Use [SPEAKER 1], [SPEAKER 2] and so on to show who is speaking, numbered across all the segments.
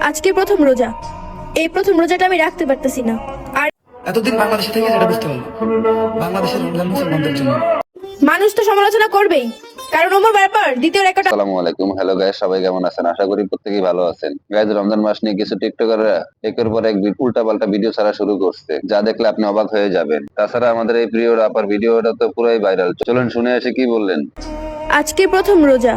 [SPEAKER 1] আজকে প্রথম রোজা। এই প্রথম রোজাটা আমি রাখতে পারতেছি না। আর
[SPEAKER 2] এতদিন বাংলাদেশে থেকে যেটা বুঝতে পারলাম, বাংলাদেশের রমজান মুসলমানদের জন্য।
[SPEAKER 1] মানুষ তো সমালোচনা করবেই, কারণ ওমর ব্যাপার দ্বিতীয় রেকর্ড।
[SPEAKER 3] আসসালামু আলাইকুম। হ্যালো গাইস, সবাই কেমন আছেন? আশা করি প্রত্যেকেই ভালো আছেন। গাইস, রমজান মাস নিয়ে কিছু টিকটকাররা একের পর এক উল্টা পাল্টা ভিডিও ছাড়া শুরু করছে, যা দেখলে আপনি অবাক হয়ে যাবেন। তাছাড়া আমাদের এই প্রিয় রাপার ভিডিওটা তো পুরাই ভাইরাল। চলুন শুনে আসি কি বললেন।
[SPEAKER 1] আজকে প্রথম রোজা।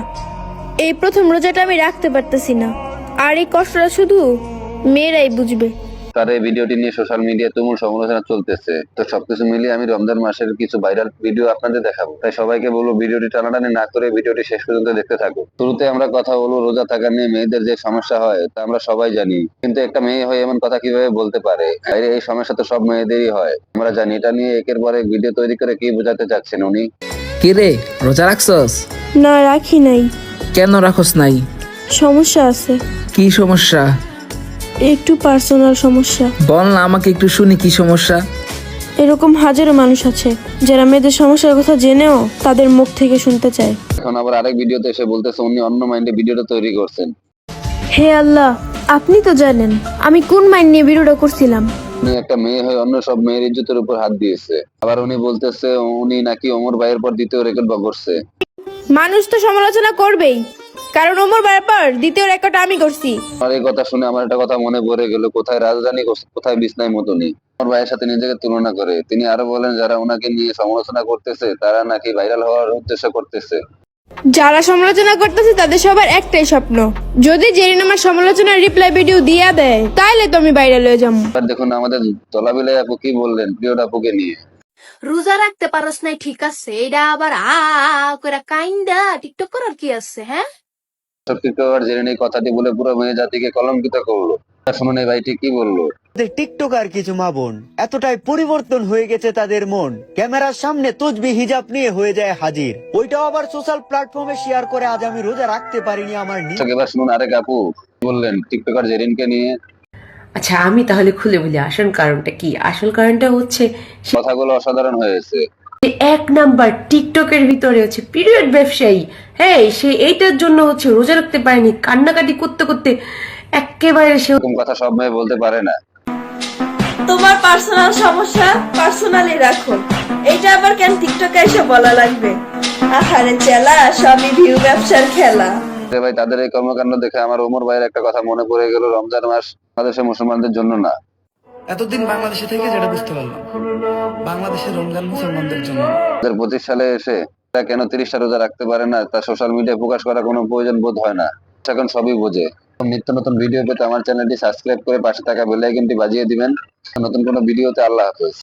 [SPEAKER 1] এই প্রথম রোজাটা আমি রাখতে পারতেছি না। আর এই কষ্টটা শুধু মেয়েরাই বুঝবে।
[SPEAKER 3] তার এই ভিডিওটি নিয়ে সোশ্যাল মিডিয়ায় তুমুল সমালোচনা চলতেছে। তো সবকিছু মিলিয়ে আমি রমজান মাসের কিছু ভাইরাল ভিডিও আপনাদের দেখাবো, তাই সবাইকে বলবো ভিডিওটি টানাটানি না করে ভিডিওটি শেষ পর্যন্ত দেখতে থাকুন। শুরুতে আমরা কথা বলবো রোজা থাকা নিয়ে। মেয়েদের যে সমস্যা হয় তা আমরা সবাই জানি, কিন্তু একটা মেয়ে হয়ে এমন কথা কিভাবে বলতে পারে? এই সমস্যা তো সব মেয়েদেরই হয়, আমরা জানি। এটা নিয়ে একের পর এক ভিডিও তৈরি করে কি বোঝাতে চাচ্ছেন উনি?
[SPEAKER 4] কি রে, রোজা রাখছস?
[SPEAKER 1] না, রাখি নাই।
[SPEAKER 4] কেন রাখস নাই?
[SPEAKER 1] সমস্যা আছে,
[SPEAKER 4] কি সমস্যা?
[SPEAKER 1] একটু পার্সোনাল সমস্যা।
[SPEAKER 4] বল না, আমাকে একটু শুনি কি সমস্যা।
[SPEAKER 1] এরকম হাজারো মানুষ আছে যারা মেয়েদের সমস্যার কথা জেনেও তাদের মুখ থেকে শুনতে চায়।
[SPEAKER 3] এখন আবার আরেক ভিডিওতে এসে বলতেছে উনি অন্য মাইন্ডে ভিডিওটা তৈরি করছেন।
[SPEAKER 1] হে আল্লাহ, আপনি তো জানেন আমি কোন মাইন্ড নিয়ে ভিডিওটা করছিলাম।
[SPEAKER 3] উনি একটা মেয়ে হয়ে অন্য সব মেয়ের ইজ্জতের উপর হাত দিয়েছে। আবার উনি বলতেছে উনি নাকি ওমর ভাইয়ের পর দ্বিতীয় রেকর্ড করছে।
[SPEAKER 1] মানুষ তো সমালোচনা করবেই, কারণ ওমর ব্যাপার দ্বিতীয় রেকর্ড আমি করছি।
[SPEAKER 3] আর এই কথা শুনে আমার একটা কথা মনে পড়ে গেল, কোথায় রাজধানী কোথায় বিছনায় মতনি। ওমর ভাইয়ের সাথে নিজেকে তুলনা করে তিনি আরো বলেন যারা ওনাকে নিয়ে সমালোচনা করতেছে তারা নাকি ভাইরাল হওয়ার উদ্দেশ্য করতেছে।
[SPEAKER 1] যারা সমালোচনা করতেছে তাদের সবার একটাই স্বপ্ন, যদি জেরিন আমার সমালোচনার রিপ্লাই ভিডিও দিয়া দেয় তাইলে তো আমি ভাইরাল হয়ে যাবো।
[SPEAKER 3] এবার দেখুন আমাদের তলাবিলাই আপু কি বললেন প্রিয় আপুকে নিয়ে।
[SPEAKER 5] রোজা রাখতে পারস নাই ঠিক আছে, এটা আবার করে কাইন্দা টিকটক করার কি আছে? হ্যাঁ,
[SPEAKER 3] সব টিকটকার জেনে এই কথাটি বলে পুরো মেয়ে জাতিকে কলঙ্কিত করলো। শুনুন এই ভাইটি কি বললো।
[SPEAKER 6] টিকটকার কিছু মা বোন এতটাই পরিবর্তন হয়ে গেছে তাদের মন, ক্যামেরার সামনে তসবিহ হিজাব নিয়ে হয়ে যায় হাজির, ওইটাও আবার সোশ্যাল প্ল্যাটফর্মে শেয়ার করে আজ আমি রোজা রাখতে পারিনি আমার
[SPEAKER 3] এবার শুনুন আরেক আপু কি বললেন টিকটকার জেরিনকে নিয়ে।
[SPEAKER 7] আচ্ছা, আমি তাহলে খুলে বলি আসল কারণটা কি। আসল কারণটা হচ্ছে
[SPEAKER 3] কথাগুলো অসাধারণ হয়েছে।
[SPEAKER 7] এক নাম্বার টিকটকের ভিতরে হচ্ছে পিরিয়ড ব্যবসায়ী। হ্যাঁ, সে এইটার জন্য হচ্ছে রোজা রাখতে পারেনি, কান্নাকাটি করতে করতে একেবারে সে।
[SPEAKER 3] এরকম কথা সব মেয়ে বলতে পারে না।
[SPEAKER 8] তোমার পার্সোনাল সমস্যা পার্সোনালি রাখো, এটা আবার কেন টিকটকে এসে বলা লাগবে? আহারে চেলা, সবই ভিউ ব্যবসার খেলা।
[SPEAKER 3] ভাই, তাদের এই কর্মকাণ্ড দেখে আমার ওমর ভাইয়ের একটা কথা মনে পড়ে গেল, রমজান মাস বাংলাদেশের মুসলমানদের জন্য না।
[SPEAKER 2] এতদিন বাংলাদেশে থেকে যেটা বুঝতে পারলাম, বাংলাদেশের রমজান মুসলমানদের জন্য।
[SPEAKER 3] 2025 সালে এসে তারা কেন 30টা রোজা রাখতে পারে না তা সোশ্যাল মিডিয়ায় প্রকাশ করার কোনো প্রয়োজন বোধ হয় না। এখন সবই বোঝে। নিত্য নতুন ভিডিও পেতে আমার চ্যানেলটি সাবস্ক্রাইব করে পাশে থাকা বেল আইকনটি বাজিয়ে দিবেন। নতুন কোনো ভিডিওতে আল্লাহ হাফেজ।